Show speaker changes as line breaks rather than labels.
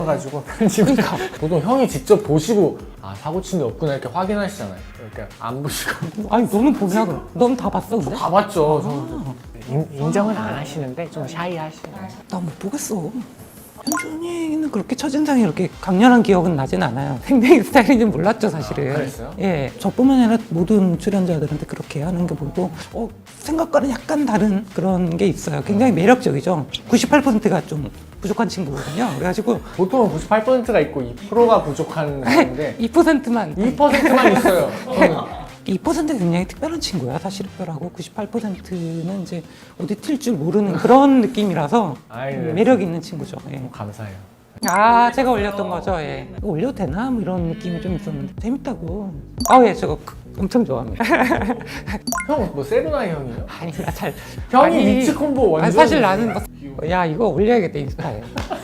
가지고 편집을 보통 형이 직접 보시고 아 사고 친 데 없구나 이렇게 확인하시잖아요. 이렇게 안 보시고
아니 너는 보냐 그럼? 넌 다 봤어 근데?
다 봤죠. 저는. 인정은 안 하시는데 좀 샤이하시네요.
나 못 보겠어. 현준이는 그렇게 첫인상이 이렇게 강렬한 기억은 나진 않아요. 생명의 스타일인지 몰랐죠 사실은.
아, 그랬어요?
예, 저뿐만 아니라 모든 출연자들한테 그렇게 하는 게 보고 생각과는 약간 다른 그런 게 있어요. 굉장히 매력적이죠. 98%가 좀 부족한 친구거든요. 그래가지고
보통은 98%가 있고 2%가 부족한 건데
2%만
2%만 있어요. 저는.
2%가 굉장히 특별한 친구야. 사실 특별하고 98%는 이제 어디 튈 줄 모르는 그런 느낌이라서
아이, 네.
매력 있는 친구죠. 예.
감사해요.
아, 제가 올렸던 거죠. 예. 이거 올려도 되나? 뭐 이런 느낌이 좀 있었는데 재밌다고. 아, 예, 저거 엄청 좋아합니다.
형 뭐 세븐아이 형이요?
아니, 나 잘.
형이
아니,
미츠 콤보 완전.
아니, 사실 나는 야 이거 올려야겠다 인스타에.